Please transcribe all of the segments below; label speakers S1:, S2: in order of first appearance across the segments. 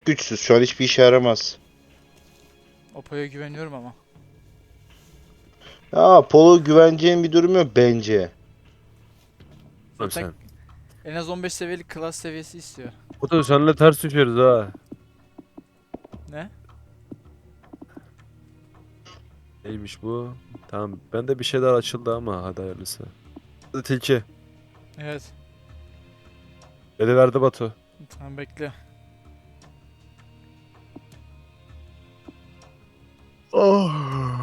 S1: Güçsüz. Şu an hiçbir işe yaramaz.
S2: Opo'ya güveniyorum ama.
S1: Ya Polo güveneceğin bir durum yok bence.
S3: Oğlum
S2: Zaten
S3: sen.
S2: en az 15 seviyelik klas seviyesi istiyor.
S3: Bu da seninle ters düşeriz ha.
S2: Ne?
S3: Neymiş bu? Tamam. Bende bir şeyler açıldı ama hadi hayırlısı. Hadi tilki.
S2: Evet.
S3: Eli verdi Batu.
S2: Tamam bekle.
S3: Oh.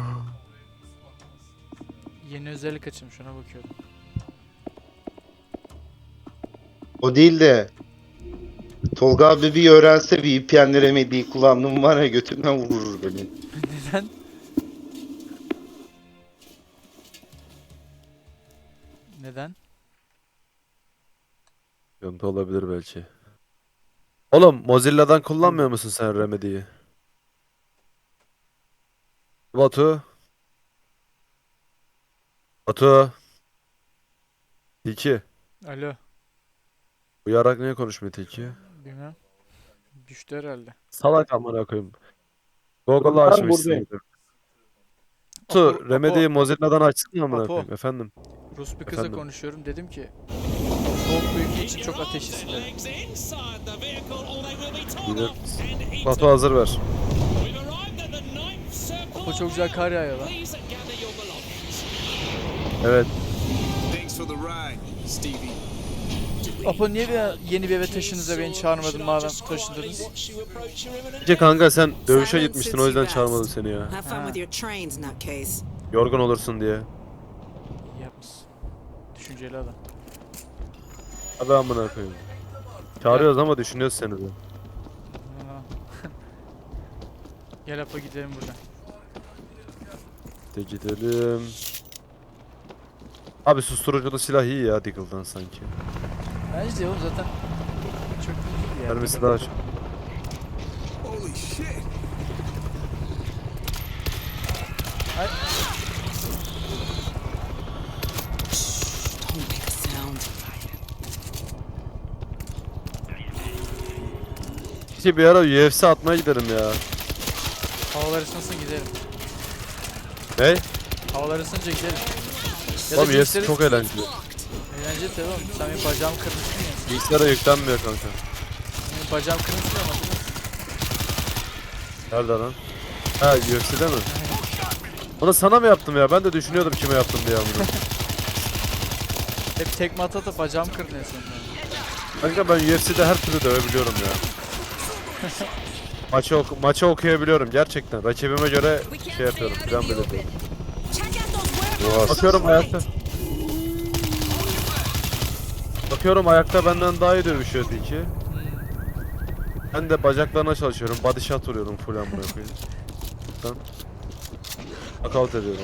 S2: Yeni özellik açılmış, ona bakıyorum.
S1: O değil de Tolga abi bir öğrense VPN'le remediyi kullandığım var ya götümden vurur beni.
S2: Neden? Neden?
S3: Sıkıntı olabilir belki. Oğlum Mozilla'dan kullanmıyor musun sen Remedy'yi? Batu. Batu. Tilki.
S2: Alo.
S3: Uyarak niye konuşmuyor tilki?
S2: Bilmem. Düştü herhalde.
S3: Salak amına koyayım. Google'ı
S1: Ben
S3: açmışsın.
S1: buradayım.
S3: Batu Remedy'yi Mozilla'dan açsın amına
S2: Apo.
S3: koyayım. Efendim.
S2: Rus bir kızla
S3: Efendim?
S2: konuşuyorum. Dedim ki soğuk bir ülke için çok ateşlisin dedim.
S3: Yine- Batu hazır ver.
S2: Apo çok güzel kar yağıyor lan.
S3: Evet.
S4: Thanks for the ride, Stevie.
S2: Apo niye yeni bir eve taşındınız da beni çağırmadın madem taşındınız?
S3: Gece kanka sen dövüşe gitmiştin o yüzden çağırmadım seni ya.
S5: Have fun with your trains, nutcase.
S3: Yorgun olursun diye.
S2: İyi yapmışsın. Düşünceli adam.
S3: Hadi amına koyayım. Çağırıyoruz ama düşünüyoruz seni de.
S2: Aa. Gel Apo gidelim buradan.
S3: De gidelim. Abi susturuculu silah iyi ya Deagle'dan sanki.
S2: Bence de oğlum zaten çok iyi bir yer.
S3: Mermisi daha çok.
S4: Holy shit!
S5: Don't make a sound.
S3: İşte bir ara UFC atmaya gidelim ya.
S2: Havalar ısınsın gidelim.
S3: Ne?
S2: Havalar ısınca gidelim. Ya da
S3: Oğlum UFC
S2: bilgisayarı-
S3: çok eğlenceli.
S2: Eğlenceli tabii oğlum. Sen benim bacağımı kırmışsın ya.
S3: Bilgisayara yüklenmiyor kanka.
S2: Benim bacağım kırmışsın ama değil mi?
S3: Nerede lan? Ha UFC'de mi? Onu sana mı yaptım ya? Ben de düşünüyordum kime yaptım diye amına.
S2: Hep tekme ata da bacağım kırdın en sonunda.
S3: Kanka ben UFC'de her türlü dövebiliyorum ya. Maçı okuyabiliyorum gerçekten. Rakibime göre şey yapıyorum. Plan belirliyorum. Bakıyorum ayakta. Bakıyorum ayakta benden daha iyi dövüşüyor Tilki. Ben de bacaklarına çalışıyorum. Body shot vuruyorum full amına koyayım. Ben knockout ediyorum.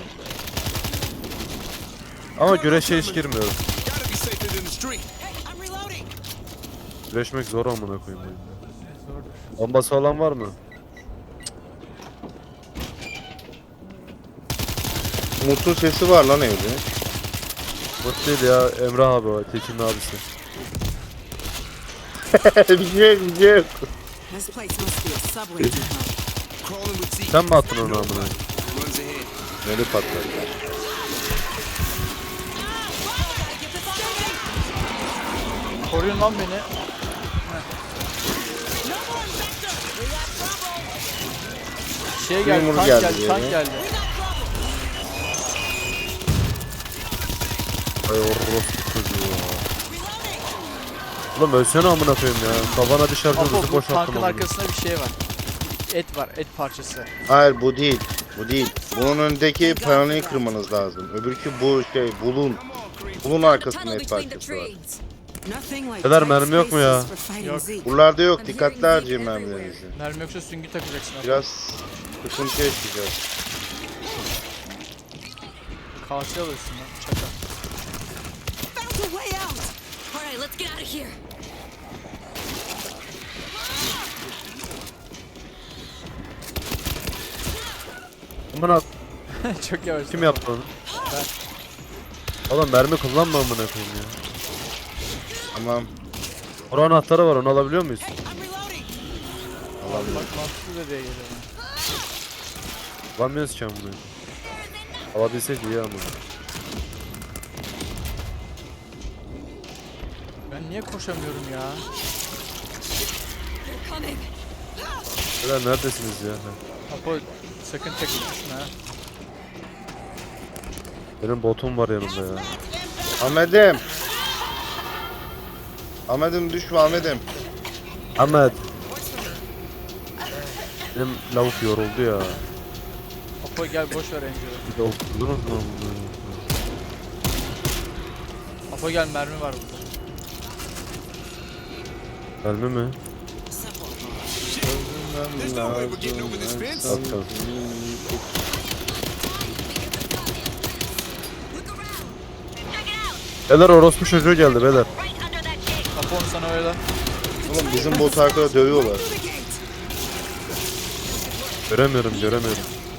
S3: Ama güreşe hiç girmiyorum.
S4: Gotta be safer than the street.
S5: I'm reloading.
S3: Güreşmek zor amına koyayım.
S2: Zordur.
S3: Bombası olan var mı?
S1: Umut'un sesi var lan evde.
S3: Mut değil ya Emrah abi o. Tekin'in abisi.
S1: bir şey yok, bir şey yok.
S5: This place must be a subway depot.
S4: Crawling with Zeke.
S3: Sen mi attın onu amına?
S4: Runs ahead.
S1: Böyle patladı.
S2: Koruyun lan beni. Şey geldi,
S1: Memur
S2: tank
S1: geldi
S2: geldi,
S1: diye
S2: tank
S1: mi?
S2: geldi.
S3: Ay orospu çocuğu ya. Oğlum ölsene amına koyayım ya. Kafana bir şarjör
S2: Apo
S3: hızı
S2: bu
S3: boşalttım
S2: tankın
S3: amına.
S2: arkasında bir şey var. Et var, et parçası.
S1: Hayır bu değil. Bu değil. Bunun önündeki panoyu kırmanız lazım. Öbürkü bu şey bulun. Bulun arkasında et parçası var.
S5: Nothing like
S3: Kadar
S5: tight
S3: mermi yok mu ya?
S5: spaces for fighting
S2: Yok.
S5: Zeke.
S1: Buralarda yok. Dikkatli harcayın mermilerinizi.
S2: Mermi yoksa süngü takacaksın. Apo.
S1: Biraz sıkıntı yaşayacağız.
S2: Kalça alırsın lan, çakal.
S5: Found a way out.
S6: Alright, let's get out of here.
S3: Amına
S2: Çok yavaş.
S3: kim yaptı onu? Oğlum mermi kullanma amına koyayım ya.
S1: Tamam.
S3: Oran anahtarı var onu alabiliyor muyuz?
S5: I'm reloading.
S2: Bak mantıklı dediğe geliyor.
S3: Alamıyoruz ki bunu. Alabilsek iyi ama.
S2: Ben niye koşamıyorum ya?
S6: They're coming.
S3: Beyler neredesiniz ya?
S2: Apo sakın tek düşme ha.
S3: Benim botum var yanımda ya.
S1: Ahmet'im. Ahmet'im düşme Ahmet'im.
S3: Ahmet. Benim lavuk yoruldu ya.
S2: Apo gel boş ver Angel'ı.
S3: Bir de okudunuz mu bunu?
S2: Apo gel mermi var burada.
S3: Gelme mi?
S4: There's no way we're getting over this fence.
S3: At kalsın.
S6: Look around. Check it out.
S3: Beyler orospu çocuğu geldi beyler.
S6: Right under that gate.
S2: Apo onu sana öyle.
S1: Oğlum bizim botu arkada dövüyorlar.
S5: Through the gate.
S3: Göremiyorum.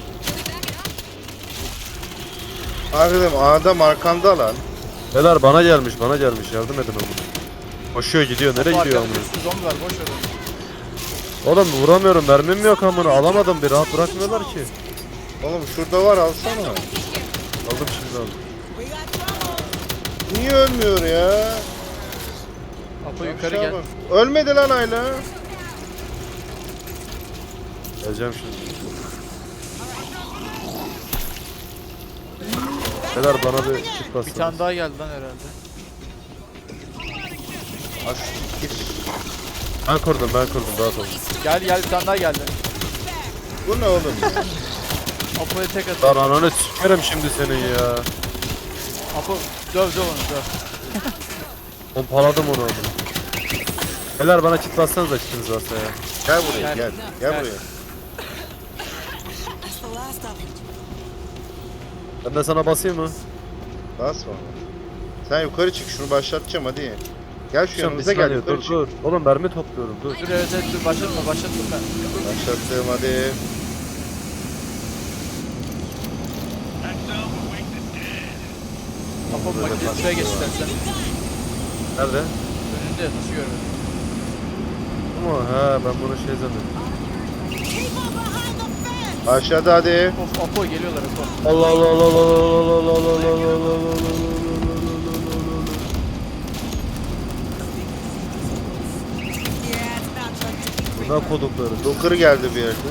S1: Ahmet'im adam arkanda lan.
S3: Beyler bana gelmiş yardım edin amına. Koşuyor gidiyor nereye
S2: Apo
S3: gidiyor
S2: arkada
S3: amına?
S2: bir sürü zombi var boş ver onu.
S3: Oğlum vuramıyorum mermim yok amına alamadım bir rahat bırakmıyorlar ki.
S1: Oğlum şurada var alsana.
S3: Aldım şimdi aldım.
S5: We got trouble.
S1: Niye ölmüyor ya?
S2: Apo yukarı
S1: Aşağı
S2: gel.
S1: bak. Ölmedi lan Ayla.
S3: Geleceğim şimdi. Beyler bana bir kit
S2: Bir
S3: bassana.
S2: tane daha geldi lan herhalde.
S1: Aç git.
S3: Ben kurdum rahat olun.
S2: Gel bir tane daha geldi.
S1: Bu ne oğlum ya?
S2: Apo'ya tek at.
S3: Lan ananı sikerim şimdi senin ya.
S2: Apo döv onu döv.
S3: Pompaladım onu amına. Beyler bana kit bassanıza kitiniz varsa ya.
S1: Gel buraya
S2: Gel.
S1: gel.
S2: Gel.
S1: Gel buraya.
S5: That's the last of it.
S3: Ben de sana basayım mı?
S1: Basma. Sen yukarı çık şunu başlatacağım hadi. Gel şu
S3: Şimdi
S1: yanımıza gel yukarı
S3: dur
S1: çık.
S3: dur. Oğlum mermi topluyorum dur.
S2: Dur evet dur başlattım ben.
S1: Başlattım hadi.
S2: Apo makinesi şuraya geç istersen.
S3: Nerede?
S2: Önünde nasıl görmedin?
S3: Ama he ben bunu şey zannettim.
S5: Keep on behind the fence.
S1: Aşağıda hadi.
S2: Of Apo geliyorlar Apo.
S3: Allah Allah Allah Allah Allah Allah Allah Allah Allah Allah.
S5: Yeah, it's about time to be
S3: Buna kodukları.
S1: Doker geldi bir yerde.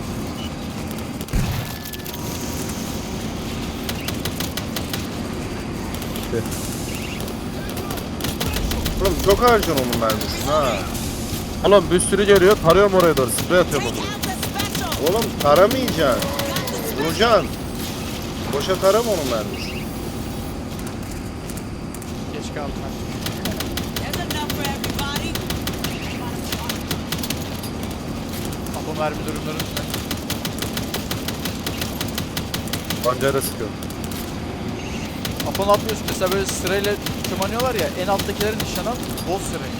S1: Oğlum çok harcıyorsun onun mermisini ha.
S3: Oğlum bir sürü geliyor tarıyorum oraya doğru sprey atıyorum
S5: Take
S3: onu.
S5: out the special.
S1: Oğlum taramayacaksın. Vuracaksın. Boşa tarama onun mermisini.
S2: Geç kaldım ben.
S5: There's enough for everybody.
S2: Apo mermi durumları üstüne.
S3: Bancayla sıkıyorum.
S2: Apo ne yapıyorsun? Mesela böyle sırayla tırmanıyorlar ya en alttakilerin nişan al. Boz sırayı.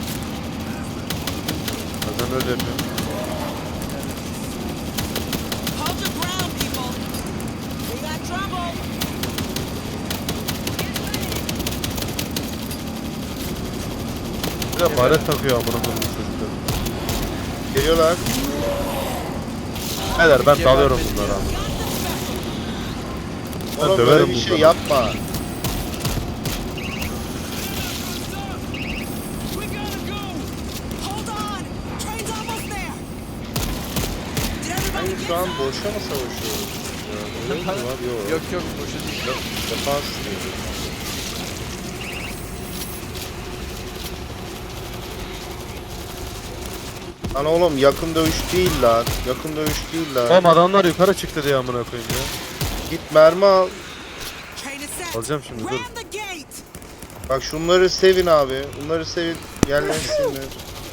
S3: Bazen öyle yapıyorum.
S5: Hold your ground, people. We got trouble.
S3: Bir de baret takıyor amına koyayım çocuklar.
S1: Geliyorlar.
S3: Beyler ben
S2: İkiye
S3: dalıyorum
S2: vermedim
S3: bunlara
S2: ya.
S3: amına.
S1: Oğlum
S3: döverim
S1: böyle bir şey
S3: bunları.
S1: yapma.
S5: We gotta go. Hold on. Train's almost there. Did everybody
S1: Hayır
S5: get
S1: şu an boşa mı savaşıyoruz? Ya, öyle mi var? Yok.
S2: Yok boşa değil.
S1: Defans diyor. Lan oğlum yakın dövüş değil lan. Yakın dövüş değil lan.
S3: Oğlum adamlar yukarı çıktı diye amına koyayım ya.
S1: Git mermi al.
S5: Train is set.
S3: Alacağım şimdi, dur.
S5: Ram the gate.
S1: Bak şunları sevin abi. Bunları sevin. Yerlensinler.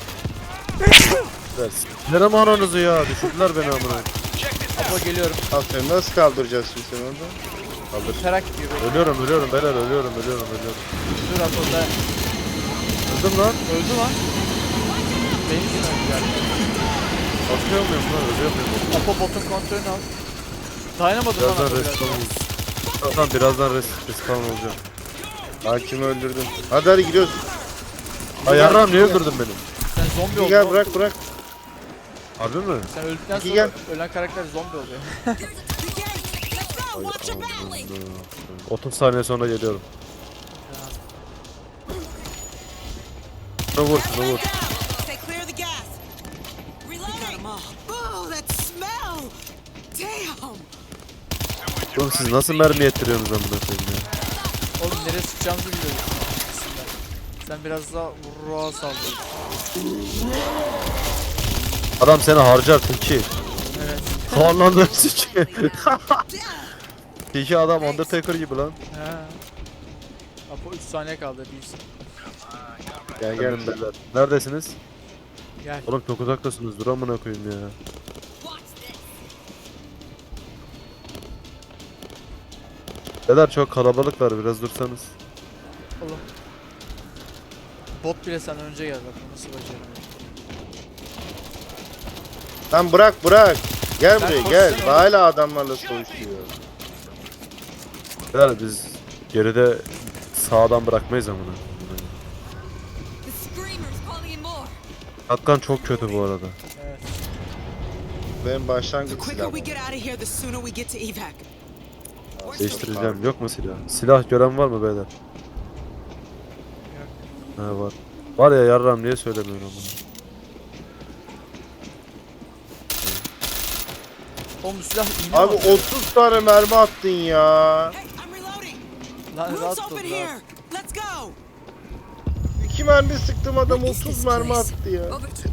S3: Nerem ananızı ya düşürdüler beni amına.
S2: Apo geliyorum.
S1: Aferin nasıl kaldıracağız şimdi sen orada?
S3: Kaldır.
S2: Terak gibi.
S3: Ölüyorum beyler ölüyorum.
S2: Dur Apo da.
S3: Öldüm lan.
S2: Öldü lan. Benim için öldü yani.
S3: Atıyor muyum lan ölüyor muyum?
S2: Apo botun kontrolünü al. Dayanamadım lan
S3: Birazdan
S2: Apo biraz.
S3: respawn olacağım. Tamam birazdan respawn olacağım.
S1: Hakimi öldürdüm. Hadi gidiyoruz.
S3: Ay yarram niye öldürdün beni?
S2: Sen zombi
S1: Bir
S2: oldun.
S1: gel bırak.
S3: Harbi mi?
S2: Sen öldükten
S1: İki
S2: sonra
S1: gel.
S2: ölen karakter zombi oluyor.
S5: The gate. Let's go. Watch your valley.
S3: 30 saniye sonra geliyorum. Şuna vur, şuna vur.
S5: Stay clear of the gas. Reloading. Oh, that smell. Damn.
S3: Oğlum siz nasıl mermi yettiriyorsunuz amına koyayım ya?
S2: Oğlum nereye sıkacağımızı biliyoruz. Sen biraz daha vurruğa saldın.
S3: Adam seni harcar Tilki.
S2: Evet.
S3: Soğanlandın Tilki. Tilki adam Undertaker gibi lan.
S2: He. Apo 3 saniye kaldı değilsin.
S1: Gel gel.
S3: Geldim beyler. Neredesiniz?
S2: Gel.
S3: Oğlum çok uzaktasınız. Dur amına koyayım ya.
S6: Watch this.
S3: Beyler çok kalabalıklar, biraz dursanız.
S2: Oğlum. Bot bile senden önce geldi. Bak nasıl başarılı.
S1: Lan bırak. Gel
S2: Ben
S1: buraya gel.
S2: koşsana.
S1: Hala adamlarla savaşıyor.
S3: Beyler biz geride sağdan bırakmayız amına.
S6: The screamer's calling in more.
S3: Hakkan çok kötü bu arada.
S2: Evet.
S1: Benim
S5: The
S1: başlangıç
S5: quicker
S1: silahım.
S5: we get out of here, the sooner we get to evac.
S3: Değiştireceğim. Yok mu silah? Silah gören var mı beyler? Ha var. Var ya yarram niye söylemiyorum bunu?
S2: Oğlum silah iğne
S1: Abi
S2: var.
S1: 30 tane mermi attın ya.
S5: Hey, I'm reloading.
S2: Lan
S5: Roof's
S2: rahat
S5: open
S2: ol
S5: here.
S2: rahat.
S5: Let's go.
S1: 2 mermi sıktım adam 30 mermi attı ya.
S6: Over to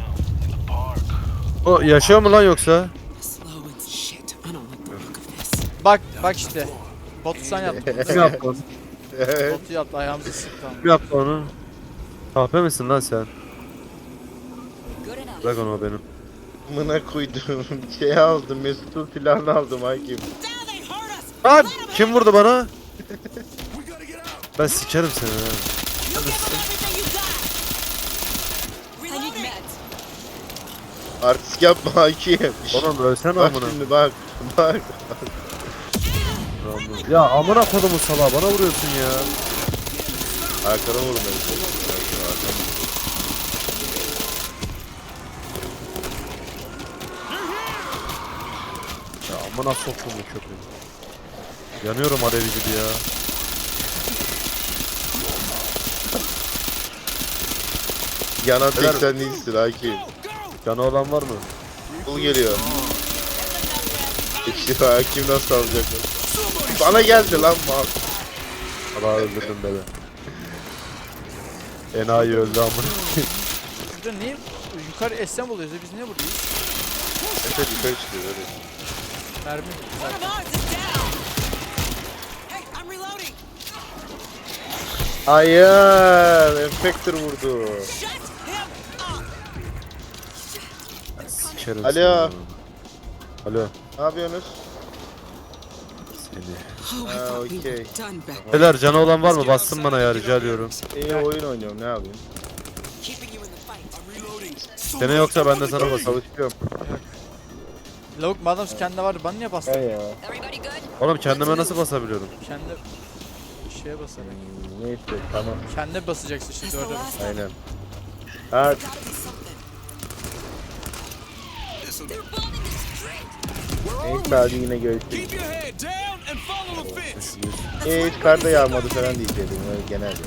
S3: O yaşıyor mu lan yoksa?
S5: Slow and shit. I don't like the look of this.
S2: Bak işte. Botu sen yaptın.
S3: Kim yaptı onu?
S2: Botu yaptı ayağımızı sıktı ama.
S3: Kim yaptı onu? Kahpe misin lan sen?
S6: good enough.
S3: Bırak onu o benim.
S1: Mına koydum. Şey aldım. Mesut'un silahını aldım hakim.
S5: Now they hurt us.
S3: Lan kim vurdu bana? Ben sikerim seni ha.
S5: You give them everything you got.
S6: I need
S5: Reloading.
S6: meds.
S1: Artist yapma hakim.
S3: Oğlum ölsene
S1: Bak
S3: amına.
S1: şimdi bak. Bak.
S3: Ya amına kodumun salağı bana vuruyorsun ya.
S1: Arkana vurun beni.
S3: Ya amına soktum bu köpeği. Yanıyorum alevi gibi ya.
S1: Yanan
S3: Helal.
S1: tek sen değilsin hakim.
S3: Canı olan var mı?
S1: Bul geliyor. İşte hakim nasıl alacak? Bana geldi lan mal.
S3: Allah öldürdüm beni. Enayi öldü amına.
S2: Burada niye yukarı essem oluyoruz ya biz niye buradayız?
S1: Evet yukarı çıkıyor öyle.
S2: Mermi.
S5: One of ours is down. Hey, I'm reloading.
S1: Hayır, Infector vurdu.
S5: Shut him up.
S3: Sikerim
S1: Alo.
S3: seni ya. Alo.
S1: Ne yapıyorsunuz?
S3: Seni.
S5: Oh, I
S1: Ah,
S5: thought we were
S1: okay.
S5: done back.
S3: Beyler canı olan var mı? Bassın bana ya rica ediyorum.
S1: İyi oyun oynuyorum ne yapayım?
S5: Keeping you in the fight.
S3: Seni yoksa ben de sana basarım.
S1: Çalışıyorum.
S2: Lavuk madem kendine vardı bana niye bastın?
S1: He ya.
S6: Everybody good?
S3: Oğlum kendime nasıl basabiliyorum?
S2: Kendi şeye basarak.
S1: Neyse tamam.
S2: Kendine basacaksın işte dörde bas.
S1: Aynen. Ha
S5: Gotta be something.
S6: They're bombing the street.
S1: neyse hadi yine görüşürüz.
S4: Keep your head down and follow the fence.
S1: Hiç kar da yağmadı falan diyecektim öyle genel ya.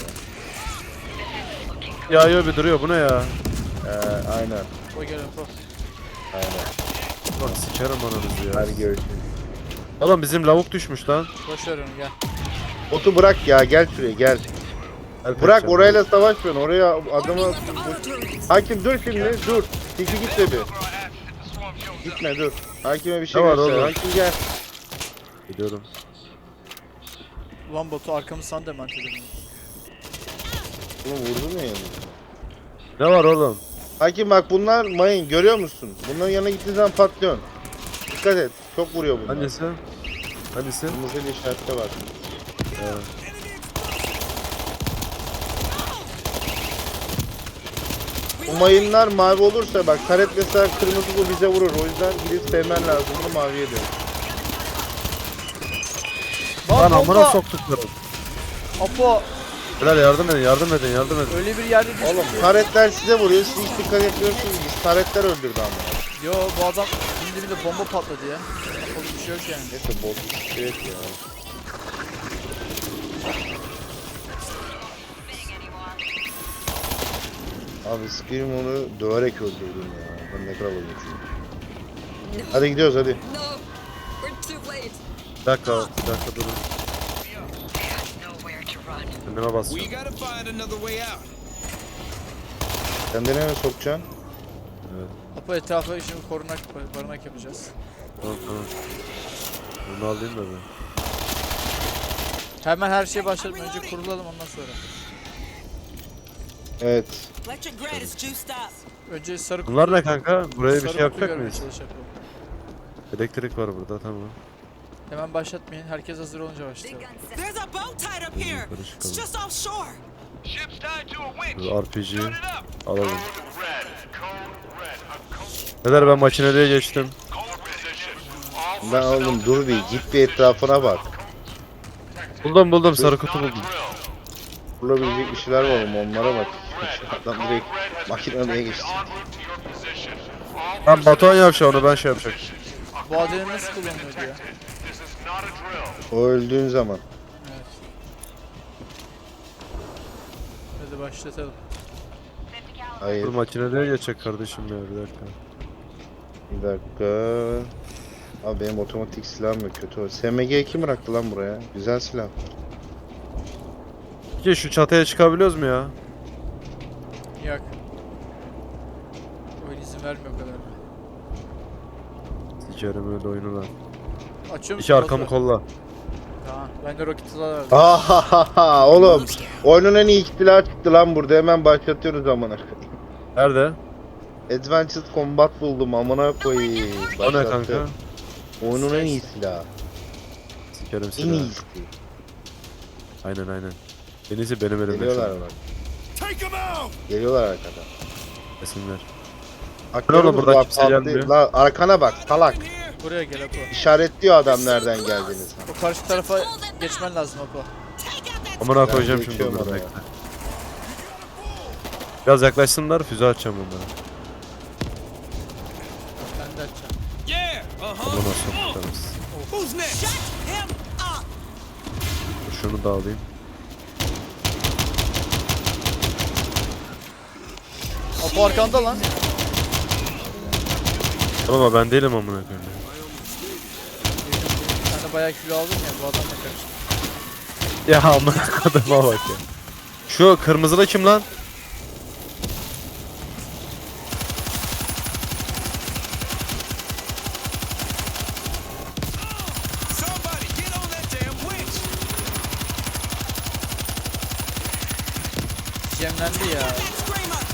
S3: Yağıyor bir duruyor bu ne ya?
S1: Aynen.
S2: O geliyor po.
S1: Aynen.
S3: Bak sikerim ananızı ya.
S1: Hadi görüşürüz.
S3: Oğlum bizim lavuk düşmüş lan.
S2: Boş ver onu gel.
S1: Otu bırak ya gel şuraya gel.
S3: Help
S1: Bırak
S3: edeceğim.
S1: orayla savaşmıyorsun oraya adamı...
S6: Left our turrets.
S1: Hakim dur şimdi dur. Tiki gitme bir. Gitme dur. Hakime bir şey
S3: Ne var
S1: göster.
S3: oğlum?
S1: Hakim gel.
S3: Gidiyorum.
S2: Ulan botu arkamı sana dement edelim.
S1: Oğlum vurdu mu yani?
S3: Ne var oğlum?
S1: Hakim bak bunlar mayın görüyor musun? Bunların yanına gittiğin zaman patlıyorsun. Dikkat et. Çok vuruyor bunlar.
S3: Hangisi? Hangisi?
S1: Kırmızı bir işarette var. Bu mayınlar mavi olursa bak taret mesela kırmızı bu bize vurur. O yüzden gidip sevmen lazım. Bunu maviye dön.
S3: Lan
S2: Lan
S3: amına
S2: bomba!
S3: soktuklarım.
S2: Apo
S3: Beyler yardım edin yardım edin yardım edin.
S2: öyle bir yerde düştü
S1: Oğlum
S2: ki.
S1: taretler size vuruyor. Siz hiç dikkat etmiyorsunuz. taretler öldürdü ama.
S2: Yo bu adam şimdi bir de bomba patladı ya. Yapalım bir şey yok yani.
S1: Neyse bozmuş şey et ya. Abi Scream onu döverek öldürdüm ya. Ben ne kadar olmuşum. Hadi gidiyoruz hadi.
S6: No, we're too late.
S3: Bir dakika durun. Kendime
S4: We
S3: basacağım.
S4: gotta find another way out.
S1: Sen de nereye sokacaksın?
S2: Apo etrafa şimdi korunak yapacağız.
S3: Tamam. Bunu alayım da ben.
S2: Hemen her şeye başlayalım. Önce kurulalım ondan sonra.
S1: Evet.
S5: Electric grid is juiced up.
S2: Önce sarı kutu.
S3: Bunlar ne kanka? Buraya bir
S2: sarı
S3: şey yapacak
S2: kutu
S3: mıyız?
S2: görmeye çalışalım.
S3: Elektrik var burada, tamam.
S2: Hemen başlatmayın. Herkes hazır olunca
S6: Big
S2: başlayalım.
S6: gun set.
S5: There's a boat tied up here.
S3: Yukarı
S5: It's
S3: çıkalım.
S5: just offshore.
S4: Ship's tied to a winch.
S3: Dur, RPG'yi
S4: Start it up.
S3: alalım.
S4: Red. Code red. A code
S3: Neler ben makineliğe geçtim.
S4: position.
S1: Ben oğlum dur bir git bir etrafına bak.
S3: Buldum sarı kutu buldum.
S1: Bulabilecek bir şeyler var mı onlara bak. Adam direkt makineye geçti.
S3: Ben Batuhan yapacağım onu, ben şey yapacak.
S2: Bu adını nasıl kullanıyordu ya?
S1: O öldüğün zaman.
S2: Evet. Hadi başlatalım.
S1: Hayır
S3: Dur makineliğe geçecek kardeşim ya, bir dakika.
S1: bir dakika. Abi benim otomatik silahım yok kötü o. SMG kim bıraktı lan buraya? Güzel silah.
S3: Peki şu çatıya çıkabiliyoruz mu ya?
S2: Yak. Oyun izin vermiyor o kadar.
S3: Sikerim öyle oyunu lan.
S2: Açıyor musun?
S3: İki arkamı
S2: Batu?
S3: kolla.
S2: Tamam. Ben de roket hızı verdim.
S1: Ahahaha oğlum. Oyunun en iyi silah çıktı lan burada. Hemen başlatıyoruz amına.
S3: Nerede?
S1: Advanced Combat buldum amına koyayım.
S3: O ne
S1: Başlattı.
S3: kanka?
S1: Oyunun en iyi silahı.
S3: Sikerim
S1: En
S3: seni.
S1: iyisi.
S3: Aynen. En iyisi benim elimde şu
S1: Geliyorlar
S3: an.
S1: bak.
S4: Take him out.
S1: Geliyorlar arkadan.
S3: Resimler.
S1: Hakları
S3: oğlum, buradan
S1: burada
S3: kimse
S1: patlı-
S3: gelmiyor.
S1: La arkana bak salak.
S2: Buraya gel Apo.
S1: İşaretliyor adam nereden geldiğini sana.
S2: O karşı tarafa geçmen lazım Apo.
S5: Take out that
S3: Amına
S1: Ben
S3: koyacağım şimdi
S1: geçiyorum
S3: bunları,
S1: oraya.
S3: bekle. Biraz yaklaşsınlar, füze atacağım onlara.
S2: Ben de açacağım.
S4: Yeah.
S3: Bunu nasıl tutarız?
S4: Who's next?
S5: Shut him up.
S3: Şunu da alayım.
S2: Apo arkanda lan.
S3: Ama ben değilim amına koyayım.
S2: Sen de bayağı kilo aldın ya bu adamla karıştı.
S3: Ya amına koyduğuma bak ya. Şu kırmızılı kim lan?
S4: Somebody get on that damn winch.
S2: Cemlendi ya.
S5: That screamer.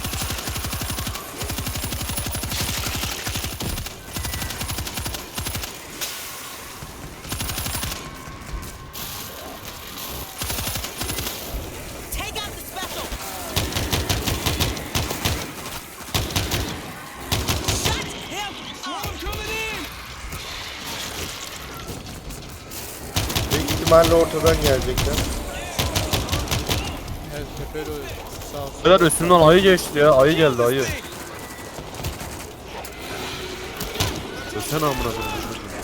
S5: Take out the special. Shut him up.
S4: Coming in.
S1: Büyük ihtimalle ortadan gelecekler.
S2: Evet tepeli oyun. Sağ ol.
S3: Beyler üstümden ayı geçti ya. Ayı geldi, ayı. Sen amına koyayım.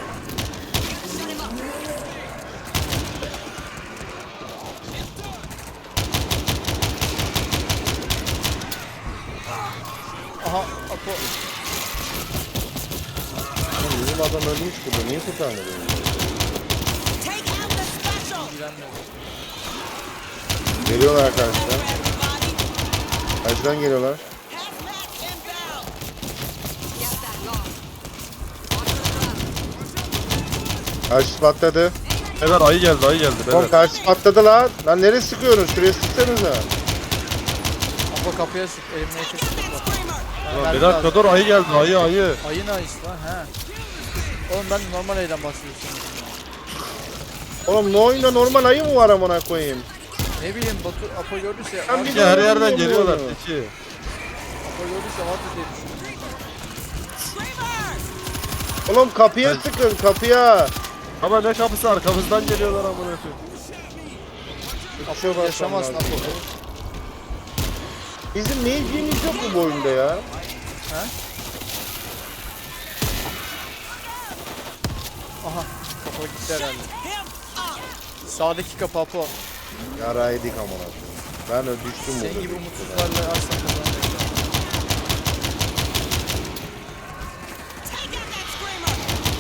S2: Aha Apo.
S1: Oğlum bizim adam ölmüş burada. Niye kurtarmadı beni?
S5: Take out the special.
S2: İlgilenmedi.
S1: Geliyorlar karşıdan.
S5: Everybody.
S1: Karşıdan geliyorlar.
S5: Hazmat inbound.
S6: Get that lock. Watch the ground.
S1: Karşı patladı.
S3: Beyler ayı geldi, ayı geldi.
S1: Oğlum
S3: Beyler.
S1: karşı patladı lan. Lan nereye sıkıyorsunuz? Şuraya sıksanıza.
S2: Apo kapıya sık. Elimle kesin.
S5: Screamer.
S3: Ulan bir dakika dur, ayı geldi, ayı.
S2: Ayın ayısı lan he. Oğlum ben normal ayıdan bahsediyorum.
S1: Oğlum ne oyunda normal ayı mı var amına koyayım?
S2: Ne bileyim Batu Apo gördüyse
S1: Ben
S2: var.
S1: bir-
S3: Ya her yerden
S1: Bilmiyorum
S3: geliyorlar.
S1: onu.
S3: Peki.
S2: Apo gördüyse vardır diye düşünüyorum.
S5: Screamer.
S1: Oğlum kapıya sıkın kapıya.
S3: Ama ne kapısı, arkamızdan geliyorlar amına koyayım.
S1: Apo
S2: Yaşamazsın Apo.
S1: Bizim ne ilgimiz yok mu bu oyunda ya?
S2: He? Aha kapı gitti herhalde.
S5: Him up!
S2: Sağdaki kapı Apo.
S1: Yaraydık amına koyayım. Ben de düştüm
S2: Senin
S1: burada.
S2: gibi umutsuzlarla asla kazanamayız.
S5: Take out that screamer!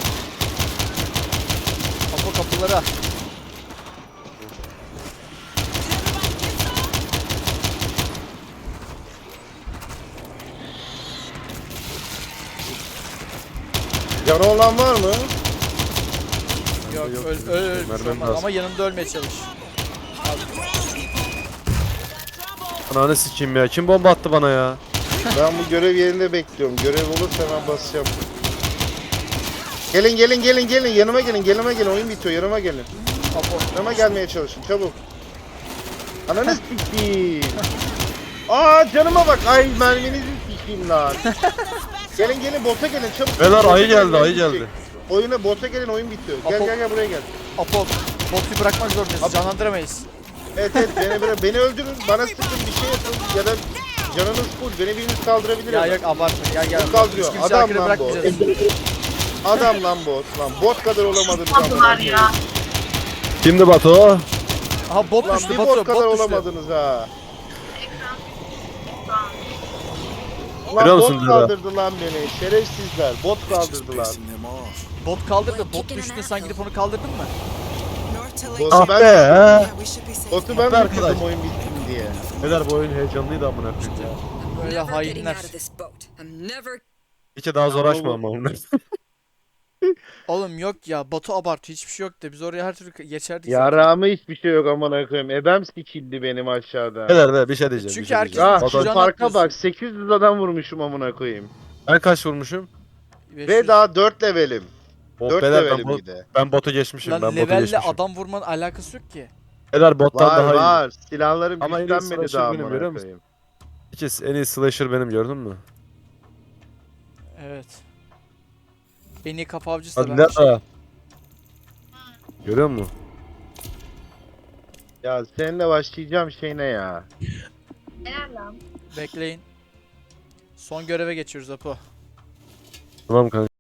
S2: Apo kapılara.
S5: Did everybody get some?
S1: Canı olan var mı?
S2: Yok
S3: Yok,
S2: öl öl bir şey
S3: mermim
S2: olmaz.
S3: lazım.
S2: Ama yanımda ölmeye çalış.
S5: On the ground, people! Trouble!
S3: Ananı sikeyim ya. Kim bomba attı bana ya?
S1: Ben bu görev yerinde bekliyorum. Görev olursa hemen basacağım. Gelin gelin gelin gelin yanıma gelin oyun bitiyor yanıma gelin.
S2: Apo.
S1: Yanıma gelmeye çalışın çabuk. Ananı sikeyim. Aa canıma bak ay merminizi sikeyim lan. Gelin gelin bota gelin çabuk.
S3: Beyler
S1: Bota
S3: ayı
S1: gelin,
S3: geldi,
S1: oyun
S3: ayı
S1: bitecek.
S3: geldi.
S1: Oyuna bota gelin oyun bitiyor. Gel
S2: Apo-
S1: gel gel buraya gel.
S2: Apo. Botu bırakmak zorundayız. Canlandıramayız.
S1: Evet beni öldürün bana sıkın bir şey yapın ya da canınız full beni biriniz kaldırabilir
S2: Ya
S1: ama.
S2: yok abartma. Gel gel.
S1: Bot kaldırıyor.
S2: Hiç kimse
S1: Adam
S2: arkada
S1: lan bu.
S2: bırakmayacağız.
S1: Adam lan bot. Lan bot kadar olamadınız
S7: Aldılar ya.
S3: Kimdi Batu?
S2: Aha bot
S1: Lan
S2: düştü
S1: bir
S2: Batu.
S1: bot kadar
S2: Bot düştü.
S1: olamadınız ha.
S3: Görüyor
S1: Lan
S3: musun
S1: bot
S3: Dila?
S1: kaldırdı lan beni. Şerefsizler. Bot kaldırdı lan.
S2: Bot kaldırdı. Bot düştü. Sen gidip onu kaldırdın mı?
S5: North to Lake
S1: Botu
S3: Ah
S1: ben
S3: be.
S5: Yeah, we should be safe.
S1: Botu ben
S3: Hatta
S1: bitirdim
S3: arkadaş.
S1: oyun bitsin diye.
S3: Beyler bu oyun heyecanlıydı amına koyayım ya.
S2: Böyle
S6: Never getting
S2: hainler.
S6: out of this boat. I'm never.
S3: İki daha zor açma ama onlar.
S2: Oğlum yok ya. Batu abartıyor. Hiçbir şey yok de. Biz oraya her türlü geçerdik.
S1: Yarağıma hiçbir şey yok amına koyayım. Ebem sikildi benim aşağıda.
S3: Beyler be bir şey diyeceğim.
S2: Çünkü
S3: bir şey
S2: herkes-
S3: diyeceğim.
S1: Ah
S2: Batu-
S1: şu
S2: Can
S1: farka
S2: atıyorsun.
S1: bak 800 adam vurmuşum amına koyayım.
S3: Ben kaç vurmuşum?
S1: Ve daha 4 levelim.
S3: Oh,
S1: 4
S3: beyler
S1: levelim
S3: ben,
S1: bir de.
S3: ben botu geçmişim.
S2: Lan
S3: ben botu
S2: levelle
S3: geçmişim.
S2: adam vurmanın alakası yok ki.
S3: Beyler bottan
S1: Var
S3: daha iyi.
S1: var. Silahlarım
S3: Ama en iyi
S1: güçlenmedi
S3: slasher
S1: daha
S3: benim,
S1: amına
S3: görüyor musun?
S1: koyayım.
S3: İkiz en iyi slasher benim gördün mü?
S2: Evet. En iyi kapı avcısı da
S3: Hadi
S2: ben.
S3: nerede? Görüyor musun?
S1: Ya seninle başlayacağım şey ne ya?
S7: Helal lan.
S2: Bekleyin. Son göreve geçiyoruz Apo.
S3: Tamam kanka.